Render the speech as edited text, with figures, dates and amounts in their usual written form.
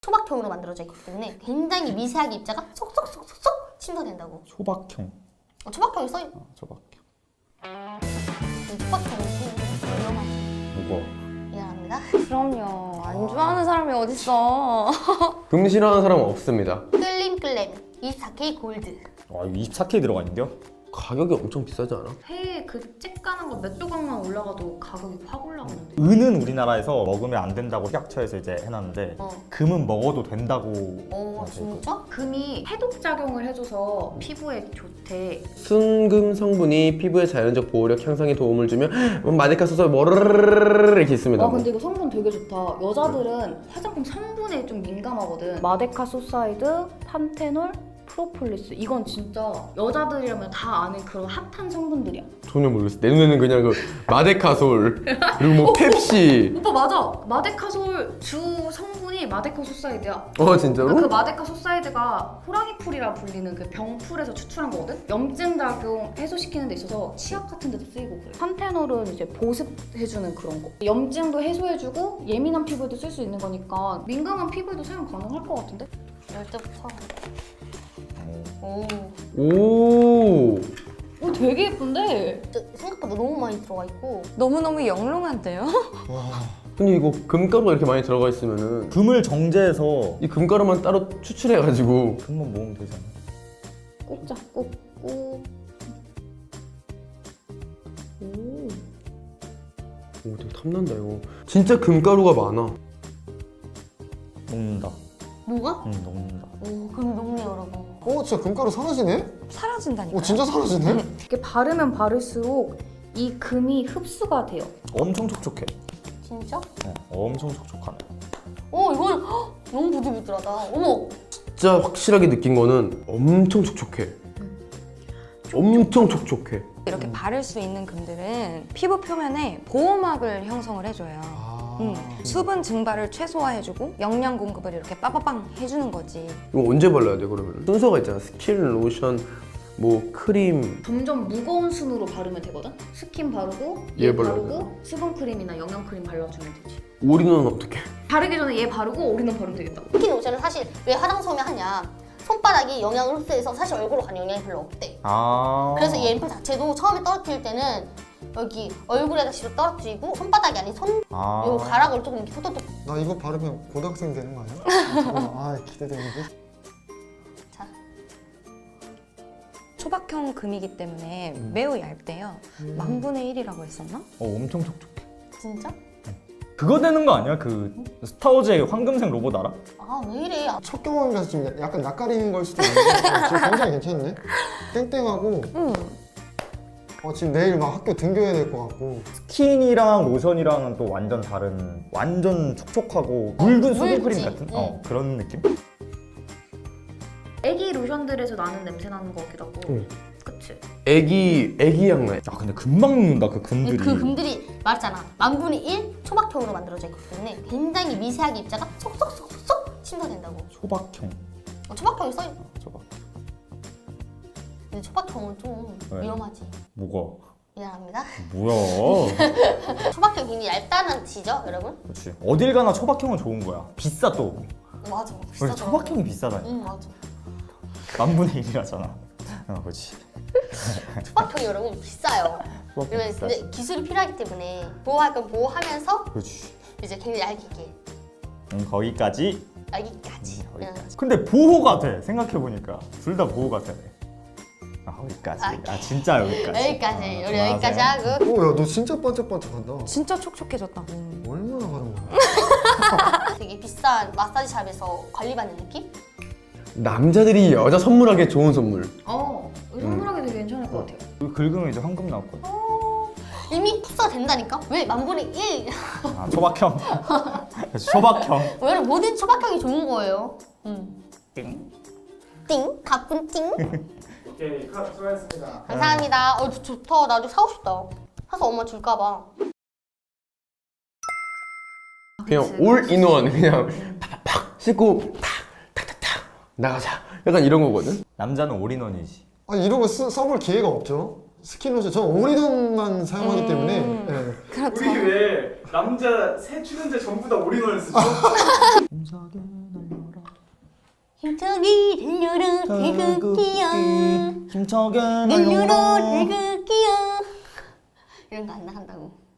초박형으로 만들어져 있기 때문에 굉장히 미세하게 입자가 쏙쏙쏙쏙 침투된다고. 초박형. 초박형이 써있. 초박형. 초박형은 좀 위험하죠. 무거워. 미안합니다. 그럼요. 안 좋아하는 사람이 어딨어. 금 싫어하는 사람은 없습니다. 끌림끌렘 24K 골드. 와 이거 24K 들어가 있는데요? 가격이 엄청 비싸지 않아? 회에 그 쬐까는 거 몇 조각만 올라가도 가격이 확 올라가는데. 은은 우리나라에서 먹으면 안 된다고 식약처에서 이제 해놨는데 금은 먹어도 된다고. 진짜? 금이 해독작용을 해줘서 피부에 좋대. 순금 성분이 피부의 자연적 보호력 향상에 도움을 주며 마데카 소설 뭐르르르르르 이렇게 있습니다. 근데 이거 성분 되게 좋다. 여자들은 화장품 성분에 좀 민감하거든. 마데카 소사이드, 판테놀, 프로폴리스. 이건 진짜 여자들이라면 다 아는 그런 핫한 성분들이야. 전혀 모르겠어. 내 눈에는 그냥 그 마데카솔 그리고 뭐 펩시. 오빠 맞아. 마데카솔 주 성분이 마데카 소사이드야. 진짜로? 그 마데카 소사이드가 호랑이풀이라 불리는 그 병풀에서 추출한 거거든? 염증 작용 해소시키는 데 있어서 치약 같은 데도 쓰이고 그래. 판테놀은 이제 보습해주는 그런 거. 염증도 해소해주고 예민한 피부에도 쓸 수 있는 거니까 민감한 피부에도 사용 가능할 것 같은데? 열 때부터. 오. 오 되게 예쁜데? 생각보다 너무 많이 들어가 있고. 너무너무 영롱한데요? 근데 이거 금가루가 이렇게 많이 들어가 있으면은 금을 정제해서 이 금가루만 따로 추출해가지고 금만 모으면 되잖아. 꼭 잡고 꼭. 오 되게 탐난다 이거. 진짜 금가루가 많아. 녹는다. 뭐가? 응 녹는다. 그럼 녹네 여러분. 진짜 금가루 사라지네? 사라진다니까요. 진짜 사라지네? 이렇게 바르면 바를수록 이 금이 흡수가 돼요. 엄청 촉촉해. 진짜? 엄청 촉촉하네. 이건 너무 부들부들하다. 어머. 진짜 확실하게 느낀 거는 엄청 촉촉해. 엄청 촉촉해. 이렇게 바를 수 있는 금들은 피부 표면에 보호막을 형성을 해줘요. 수분 증발을 최소화해주고 영양 공급을 이렇게 빠바방 해주는 거지. 이거 언제 발라야 돼 그러면? 순서가 있잖아. 스킨, 로션, 뭐 크림. 점점 무거운 순으로 바르면 되거든? 스킨 바르고 얘 얘 발라야 바르고 수분 크림이나 영양 크림 발라주면 되지. 올인원은 어떻게? 바르기 전에 얘 바르고 올인원 바르면 되겠다. 스킨 로션은 사실 왜 화장솜에 하냐? 손바닥이 영양을 흡수해서 사실 얼굴로 가는 영향이 별로 없대. 그래서 이 앰플 자체도 처음에 떨어뜨릴 때는 여기 얼굴에다가 떨어뜨리고 손바닥이 아닌 요 가락을 조금 이렇게 톡톡톡. 나 이거 바르면 고등학생 되는 거 아니야? 기대되는데? 자, 초박형 금이기 때문에 매우 얇대요. 10,000분의 1이라고 했었나? 엄청 촉촉해. 진짜? 그거 되는 거 아니야? 그 스타워즈의 황금색 로봇 알아? 왜 이래? 첫 경험이라서 좀 약간 낯가리는 걸 수도 있는데 지금 굉장히 괜찮네? 땡땡하고 지금 내일 막 학교 등교해야 될 것 같고. 스킨이랑 로션이랑은 또 완전 다른, 완전 촉촉하고 묽은 수분크림 묽지? 같은 그런 느낌? 애기 로션들에서 나는 냄새 나는 것 같기도 하고. 응. 그치? 애기 향 나. 근데 금방 녹는다 그 금들이. 그 금들이 말했잖아. 10,000분의 1 초박형으로 만들어져 있기 때문에 굉장히 미세하게 입자가 쏙쏙쏙쏙 침투된다고. 초박형. 초박형이 써있. 초박. 근데 초박형은 좀 왜? 위험하지. 뭐가? 미안합니다. 뭐야? 초박형 굉장히 얇다는 뜻이죠, 여러분? 그렇지. 어딜 가나 초박형은 좋은 거야. 비싸 또. 맞아. 원래 비싸더라고. 초박형이 비싸다니. 응, 맞아. 10,000분의 1이라잖아. 그렇지. 초박형이 여러분 비싸요. 초박형 그러면 비싸지. 근데 기술이 필요하기 때문에 보호할 건 보호하면서 그렇지. 이제 굉장히 얇게. 거기까지. 여기까지. 거기까지. 근데 보호가 돼. 생각해보니까. 둘 다 보호가 돼. 거기까지. 진짜 여기까지. 여기까지. 우리 그만하세요. 여기까지 하고. 야 너 진짜 반짝반짝한다. 진짜 촉촉해졌다고. 얼마나 바른 거야? 되게 비싼 마사지샵에서 관리받는 느낌? 남자들이 여자 선물하기에 좋은 선물. 선물하기 되게 괜찮을 것 같아요. 긁으면 이제 황금 나왔거든. 이미 흡수가 된다니까? 왜 10,000분의 1? 초박형. 초박형. 여러분 모든 초박형이 좋은 거예요. 띵. 띵. 가쁜 띵. 오케이, 수고하셨습니다. 감사합니다. 좋다. 나도 사고 싶다. 사서 엄마 줄까 봐. 그냥 올인원 그냥 팍팍 씻고 탁탁탁탁 나가자. 약간 이런 거거든. 남자는 올인원이지. 이런 거 써볼 기회가 없죠. 스킨로션 전 올인원만 사용하기 때문에. 그렇죠. 우리 왜 남자 새 출연자 전부 다 올인원을 쓰죠? 힘차게 들려라 태극기야 힘차게 늘려라 태극기야 이런 거 안 나간다고.